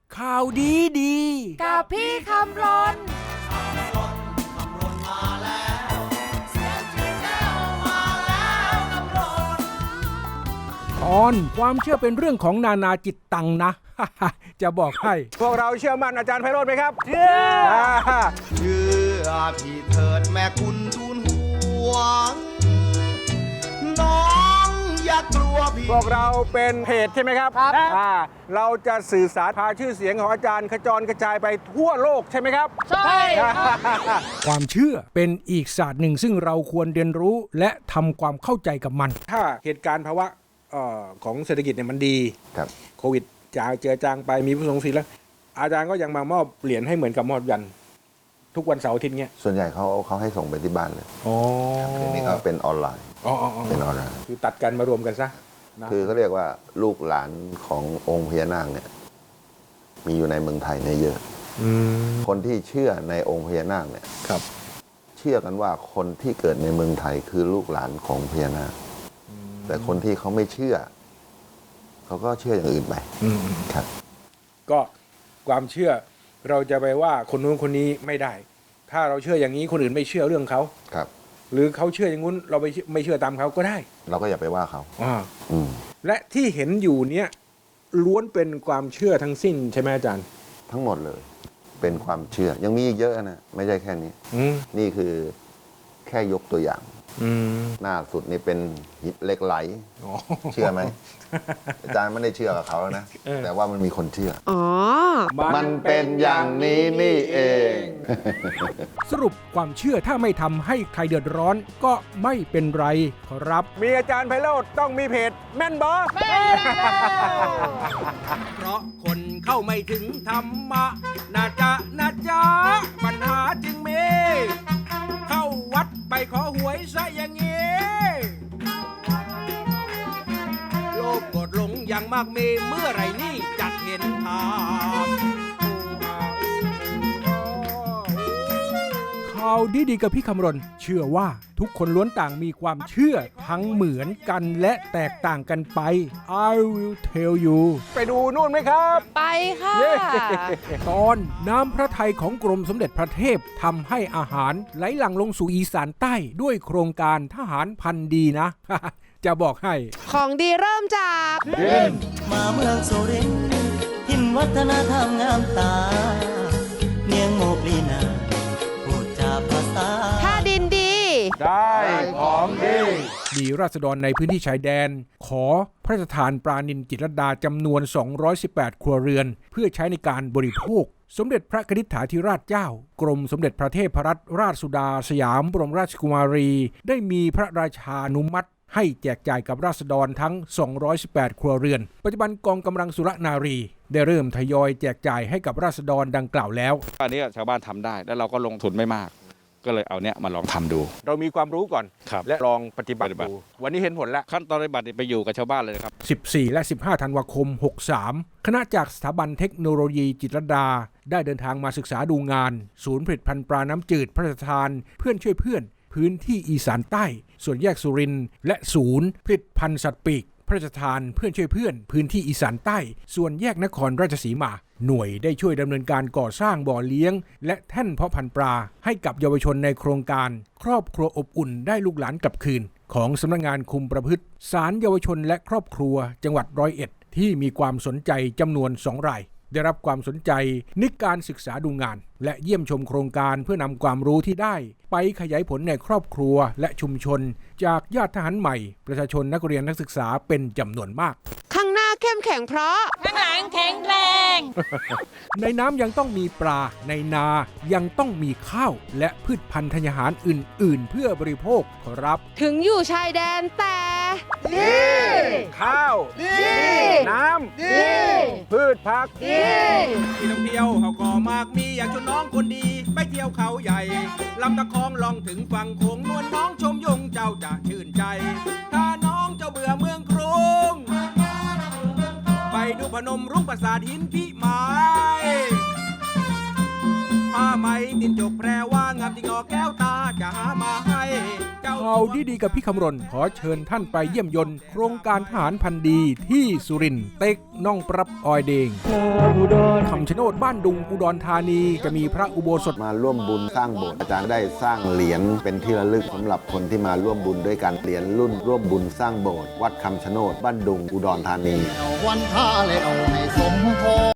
ข่าวดีกับพี่คำรนตอนความเชื่อเป็นเรื่องของนานาจิตตังนะ จะบอกให้พวกเราเชื่อมั่นอาจารย์ไพโรจน์ไหมครับเชื่อพี่เถิดแม่คุณทูลหัวน้องอย่ากลัวพี่พวกเราเป็นเพจใช่ไหมครับเราจะสื่อสารพาชื่อเสียงของอาจารย์ขจรกระจายไปทั่วโลกใช่ไหมครับใช่ความเชื่อเป็นอีกศาสตร์หนึ่งซึ่งเราควรเรียนรู้และทำความเข้าใจกับมันถ้าเหตุการณ์ภาวะของเศรษฐกิจเนี่ยมันดีโควิดเจือจางไปมีผู้ทรงศีลแล้วอาจารย์ก็ยังมามอบเหรียญให้เหมือนกับมอบยันทุกวันเสาร์อาทิตย์เงี้ยส่วนใหญ่เขาให้ส่งไปที่บ้านเลยทีนี้เขาเป็นออนไลน์เป็นออนไลน์คือตัดกันมารวมกันซะคือเขาเรียกว่าลูกหลานขององค์พญานาคเนี่ยมีอยู่ในเมืองไทยเนี่ยเยอะคนที่เชื่อในองค์พญานาคเนี่ยเชื่อกันว่าคนที่เกิดในเมืองไทยคือลูกหลานของพญานาคแต่คนที่เขาไม่เชื่อเขาก็เชื่ออย่างอื่นไปครับก็ความเชื่อเราจะไปว่าคนนู้นคนนี้ไม่ได้ถ้าเราเชื่ออย่างนี้คนอื่นไม่เชื่อเรื่องเขาครับหรือเขาเชื่ออย่างนู้นเราไม่เชื่อตามเขาก็ได้เราก็อย่าไปว่าเขาและที่เห็นอยู่เนี้ยล้วนเป็นความเชื่อทั้งสิ้นใช่ไหมอาจารย์ทั้งหมดเลยเป็นความเชื่อยังมีอีกเยอะนะไม่ใช่แค่นี้นี่คือแค่ยกตัวอย่างหน้าสุดนี่เป็นหินเหล็กไหลเชื่อไหมอาจารย์ไม่ได้เชื่อกับเขาแล้วนะแต่ว่ามันมีคนเชื่อมันเป็นอย่างนี้นี่เองสรุปความเชื่อถ้าไม่ทำให้ใครเดือดร้อนก็ไม่เป็นไรครับมีอาจารย์ไพโรจน์ต้องมีเพจแม่นบอเพราะคนเข้าไม่ถึงธรรมะนะจ๊ะปัญหาจึงมีเข้าวัดไปขอหวยซะอย่างงี้โลภโกรธหลงอย่างมากมีเมื่อไรนี่จะเห็นภาพข่าวดีกับพี่คำรณเชื่อว่าทุกคนล้วนต่างมีความเชื่อทั้งเหมือนกันและแตกต่างกันไป I will tell you ไปดูนู่นไหมครับไปค่ะตอนน้ำพระทัยของกรมสมเด็จพระเทพทำให้อาหารไหลหลั่งลงสู่อีสานใต้ด้วยโครงการทหารพันดีนะ จะบอกให้ของดีเริ่มจากมาเมืองสุรินทร์ถิ่นวัฒนธรรมงามตาเนียงโมกลีนาพูดจาภาษาถ้าดินดีได้ของดีราษฎรในพื้นที่ชายแดนขอพระราชทานปลานิลจิตรลดาจำนวน218ครัวเรือนเพื่อใช้ในการบริโภคสมเด็จพระกนิษฐาธิราชเจ้ากรมสมเด็จพระเทพรัตนราชสุดาสยามบรมราชกุมารีได้มีพระราชานุมัติให้แจกจ่ายกับราษฎรทั้ง218ครัวเรือนปัจจุบันกองกำลังสุรนารีได้เริ่มทยอยแจกจ่ายให้กับราษฎรดังกล่าวแล้วอันนี้ชาวบ้านทำได้แล้วเราก็ลงทุนไม่มากก็เลยเอาเนี้ยมาลองทำดูเรามีความรู้ก่อนและลองปฏิบัติดูวันนี้เห็นผลแล้วขั้นตอนปฏิบัติไปอยู่กับชาวบ้านเลยครับ 14และ15ธันวาคม63คณะจากสถาบันเทคโนโลยีจิตรลดาได้เดินทางมาศึกษาดูงานศูนย์ผลิตภัณฑ์ปลาน้ำจืดพระราชทานเพื่อนช่วยเพื่อนพื้นที่อีสานใต้ส่วนแยกสุรินทร์และศูนย์ผลิตภัณฑ์สัตว์ปีกพระราชทานเพื่อนช่วยเพื่อนพื้นที่อีสานใต้ส่วนแยกนครราชสีมาหน่วยได้ช่วยดำเนินการก่อสร้างบ่อเลี้ยงและแท่นเพาะพันธุ์ปลาให้กับเยาวชนในโครงการครอบครัวอบอุ่นได้ลูกหลานกลับคืนของสำนักงานคุมประพฤติศาลเยาวชนและครอบครัวจังหวัด101ที่มีความสนใจจำนวน2 รายได้รับความสนใจในการศึกษาดูงานและเยี่ยมชมโครงการเพื่อนำความรู้ที่ได้ไปขยายผลในครอบครัวและชุมชนจากญาติทหารใหม่ประชาชนนักเรียนนักศึกษาเป็นจำนวนมากข้างหน้าเข้มแข็งเพราะข้างหลังแข็งแรงในน้ำยังต้องมีปลาในนายังต้องมีข้าวและพืชพันธุ์ธัญญาหารอื่นๆเพื่อบริโภคครับถึงอยู่ชายแดนแต่ดีข้าวดีน้ำดีพืชผักดีที่ท่องเที่ยวเขาก็มากมีอยากชวนน้องคนดีไปเที่ยวเขาใหญ่ลำตะคองลองถึงฝั่งโขงนวลน้องชมยงเจ้าจะชื่นใจถ้าน้องเจ้าเบื่อเมืองกรุงไปดูพนมรุ้งปราสาทหินพิมายผ้าไหมตินจกแพรว่างามที่งอแก้วตาจะหามาให้ข่าวดีๆกับพี่คำรณขอเชิญท่านไปเยี่ยมยนต์โครงการทหารพันธุ์ดีที่สุรินทร์เต็กน่องปรับออยเดงคำชะโนดบ้านดุงอุดรธานีจะมีพระอุโบสถมาร่วมบุญสร้างโบสถ์อาจารย์ได้สร้างเหรียญเป็นที่ระลึกสำหรับคนที่มาร่วมบุญด้วยกันเหรียญรุ่นร่วมบุญสร้างโบสถ์วัดคำชะโนดบ้านดุงอุดรธานีวันท่าเลยเอาให้สมพร